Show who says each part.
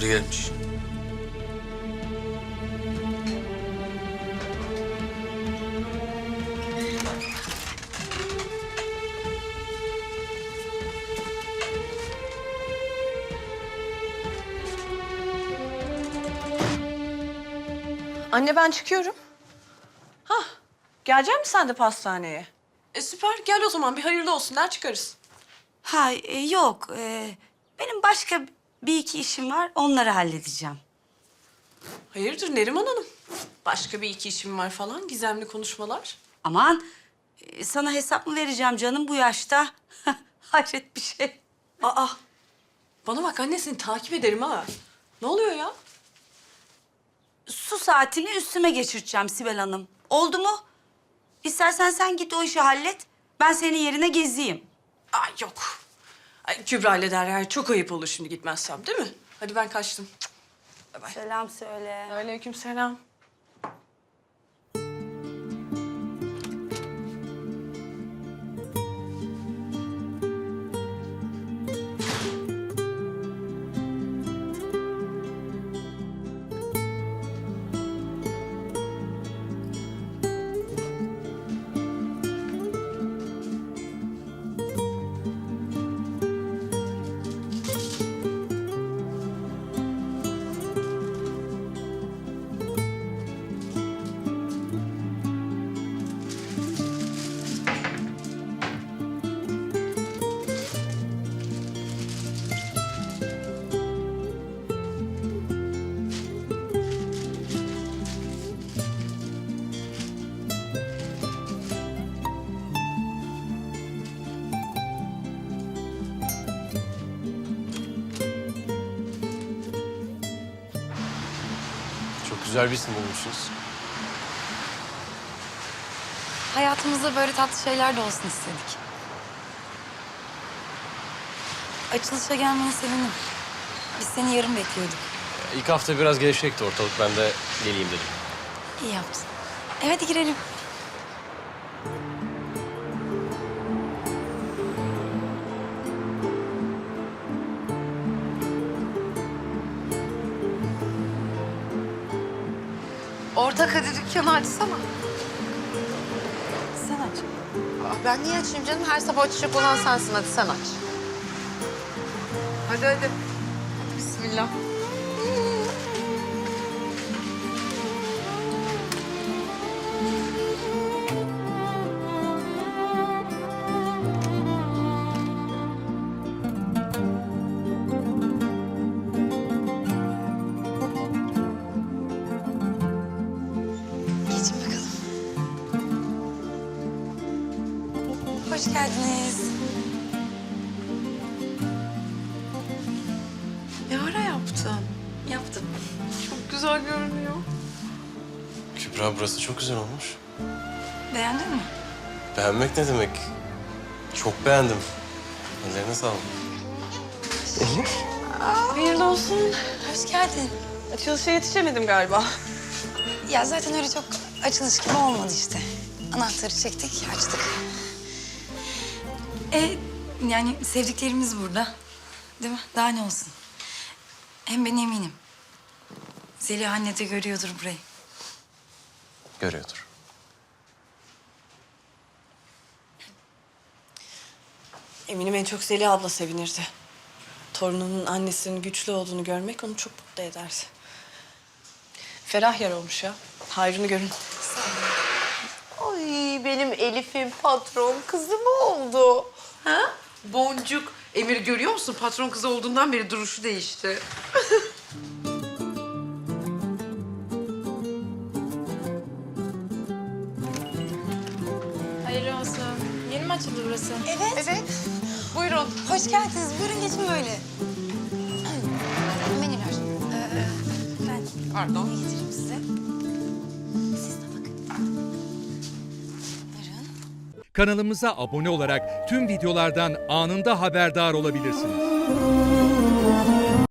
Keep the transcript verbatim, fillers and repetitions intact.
Speaker 1: Biri gelmiş.
Speaker 2: Anne ben çıkıyorum. Hah, gelecek misin sen de pastaneye? E süper, gel o zaman bir hayırlı olsun der çıkarız.
Speaker 3: Ha e, yok. E, benim başka bir iki işim var. Onları halledeceğim.
Speaker 2: Hayırdır Neriman Hanım? Başka bir iki işim var falan, gizemli konuşmalar.
Speaker 3: Aman e, sana hesap mı vereceğim canım bu yaşta? Hayret bir şey.
Speaker 2: Aa, bana bak anne seni takip ederim ha. Ne oluyor ya?
Speaker 3: Su saatini üstüme geçireceğim Sibel Hanım. Oldu mu? İstersen sen git o işi hallet. Ben senin yerine gezeyim.
Speaker 2: Ay yok. Ay, Kübra ile Derya çok ayıp olur şimdi gitmezsem değil mi? Hadi ben kaçtım. Bay bay.
Speaker 3: Selam söyle.
Speaker 2: Aleykümselam.
Speaker 4: Çok güzel bir isim bulmuşsunuz.
Speaker 5: Hayatımızda böyle tatlı şeyler de olsun istedik. Açılışa gelmene sevindim. Biz seni yarın bekliyorduk.
Speaker 4: İlk hafta biraz gevşekti ortalık. Ben de geleyim dedim.
Speaker 5: İyi yaptın. Evet, hadi girelim.
Speaker 6: Ortak hadi dükkanı açsana.
Speaker 5: Sen aç.
Speaker 6: Aa, ben niye açayım canım? Her sabah açacak olan sensin. Hadi sen aç. Hadi hadi. Bismillah.
Speaker 5: Geçin bakalım. Hoş geldiniz.
Speaker 6: Ne ara yaptın?
Speaker 5: Yaptım.
Speaker 6: Çok güzel görünüyor.
Speaker 4: Kübra, burası çok güzel olmuş.
Speaker 5: Beğendin mi?
Speaker 4: Beğenmek ne demek? Çok beğendim. Ellerine sağlık.
Speaker 2: Hayırlı olsun.
Speaker 5: Hoş geldin.
Speaker 2: Açılışa yetişemedim galiba.
Speaker 5: Ya zaten öyle çok açılış gibi olmadı işte. Anahtarı çektik, açtık. E yani sevdiklerimiz burada. Değil mi? Daha ne olsun? Hem ben eminim. Zeliha anne de görüyordur burayı.
Speaker 4: Görüyordur.
Speaker 2: Eminim en çok Zeliha abla sevinirdi. Torununun annesinin güçlü olduğunu görmek onu çok mutlu ederdi. Ferah yer olmuş ya. Hayrını görün.
Speaker 6: Ay benim Elif'in patron kızı mı oldu?
Speaker 7: Ha? Boncuk. Emir görüyor musun? Patron kızı olduğundan beri duruşu değişti.
Speaker 8: Hayırlı olsun. Yeni mi açıldı burası?
Speaker 5: Evet.
Speaker 6: Evet. Buyurun.
Speaker 5: Hoş geldiniz. Buyurun geçin böyle. Menüler. Ee, ben
Speaker 6: Pardon.
Speaker 5: ne getireyim size? Siz de bakın. Buyurun.
Speaker 9: Kanalımıza abone olarak tüm videolardan anında haberdar olabilirsiniz.